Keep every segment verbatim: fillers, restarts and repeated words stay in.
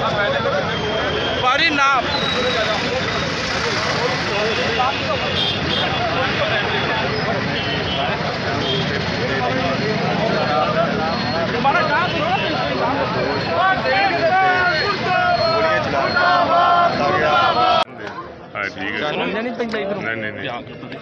बारी ना ठीक है नहीं नहीं नहीं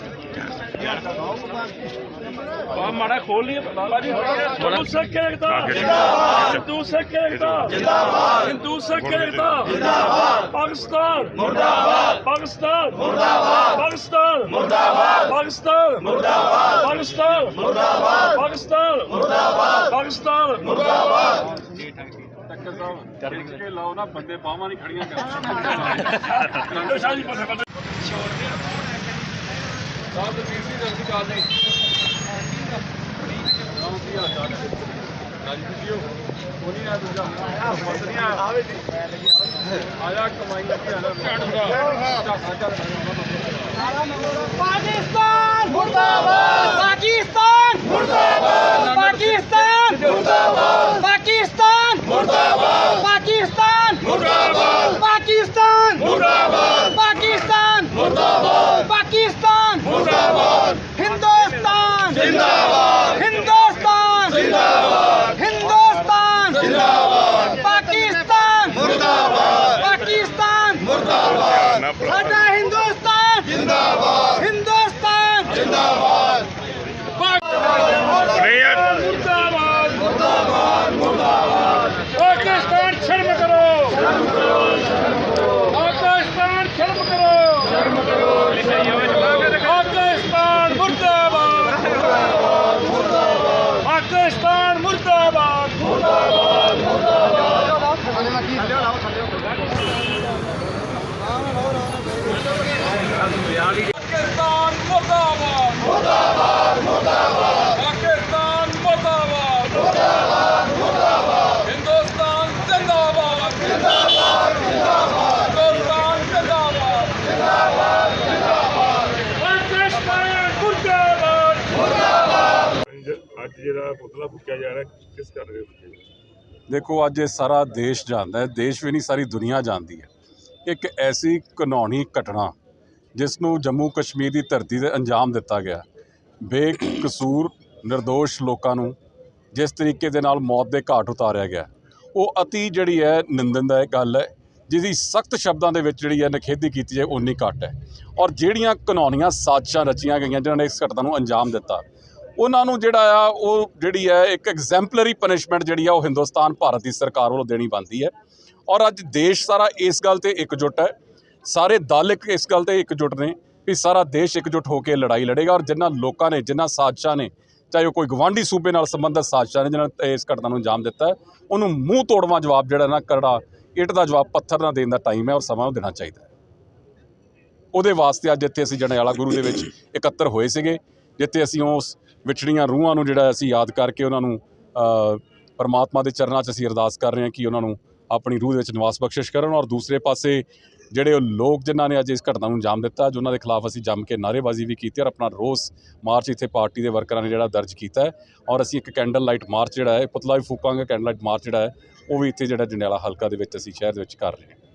माड़ा खोल लिया हिंदू सिख एकता हिंदू सिख एकता हिंदू सिख एकता पाकिस्तान मुर्दाबाद पाकिस्तान मुर्दाबाद पाकिस्तान मुर्दाबाद पाकिस्तान मुर्दाबाद पाकिस्तान मुर्दाबाद पाकिस्तान मुर्दाबाद पाकिस्तान मुर्दाबाद के लाओ ना बंदे बावां नहीं खड़ियां कर पाकिस्तान मुर्दाबाद पाकिस्तान मुर्दाबाद पाकिस्तान मुर्दाबाद पाकिस्तान मुर्दाबाद पाकिस्तान मुर्दाबाद पाकिस्तान मुर्दाबाद पाकिस्तान मुर्दाबाद पाकिस्तान मुर्दाबाद हिंदुस्तान जिंदाबाद हिंदुस्तान जिंदाबाद हिंदुस्तान जिंदाबाद पाकिस्तान मुर्दाबाद पाकिस्तान मुर्दाबाद साडा हिंदुस्तान जिंदाबाद हिंदुस्तान जिंदाबाद मुर्दाबाद मुर्दाबाद मुर्दाबाद पाकिस्तान शर्म करो पाकिस्तान शर्म करो शर्म करो पाकिस्तान मुर्दाबाद पाकिस्तान मुर्दाबाद मुर्दाबाद पाकिस्तान मुर्दाबाद मुर्दाबाद मुर्दाबाद पाकिस्तान मुर्दाबाद मुर्दाबाद मुर्दाबाद हिंदुस्तान जिंदाबाद जिंदाबाद जिंदाबाद हिंदुस्तान जिंदाबाद जिंदाबाद जिंदाबाद पाकिस्तान मुर्दाबाद मुर्दाबाद ਅੱਜ ਜਿਹੜਾ ਪੁਤਲਾ ਫੂਕਿਆ ਜਾ ਰਿਹਾ ਕਿਸ ਕਰ ਰਹੇ ਹੋ? देखो अज ये सारा देश जानता है, देश भी नहीं सारी दुनिया जानती है। एक ऐसी घिनौनी घटना जिसनों जम्मू कश्मीर की धरती से अंजाम दिता गया, बेकसूर निर्दोष लोगों जिस तरीके दे नाल मौत के घाट उतारिया गया, वो अति जिहड़ी है निंदनदायक गल है, जिसकी सख्त शब्दों के विच जिहड़ी है निखेधी की जाए उन्नी घट है। और जिहड़ियां घिनौनियां साजिशां रचियां गईयां जिन्होंने इस घटना नूं अंजाम दिता, उन्होंने जिहड़ा आ वो जिहड़ी है एक एग्जैम्पलरी पनिशमेंट जिहड़ी है वो हिंदुस्तान भारत की सरकार वालों देनी बनती है। और अज देश सारा इस गल ते एकजुट है, सारे दल एक इस गल ते एकजुट ने भी सारा देश एकजुट होकर लड़ाई लड़ेगा। और जिन्हां लोगों ने जिन्हां साजिशां ने, चाहे वो कोई गवांढी सूबे नाल संबंधित साजिशां ने जिन्होंने इस घटना नूं अंजाम दिता है, उन्होंने मूँह तोड़वा जवाब जिहड़ा ना करड़ा इट का जवाब पत्थर ना देने का टाइम है और समा देना चाहिए। उहदे वास्ते अज इत्थे असीं जंडियाला गुरू दे विच इकत्तर होए सीगे, जिथे असीं उस विछड़ियां रूहां नूं जिहड़ा असीं याद करके उन्होंने परमात्मा के चरणों च असीं अरदास कर रहे हैं कि उन्होंने अपनी रूह दे विच निवास बख्शिश करन। और दूसरे पासे जिहड़े लोग जिन्हां ने अज इस घटना नूं अंजाम दिता, जो उन्होंने खिलाफ असीं जम के नारेबाजी भी की और अपना रोस मार्च इत्थे पार्टी के वर्करां ने जिहड़ा दर्ज किया है। और असीं एक कैंडल लाइट मार्च जिहड़ा है पुतला भी फूकांगे, कैंडल लाइट मार्च जिहड़ा है वो भी इत्थे जिहड़ा जंडियाला हलका दे विच असीं शहर दे विच कर रहे हैं।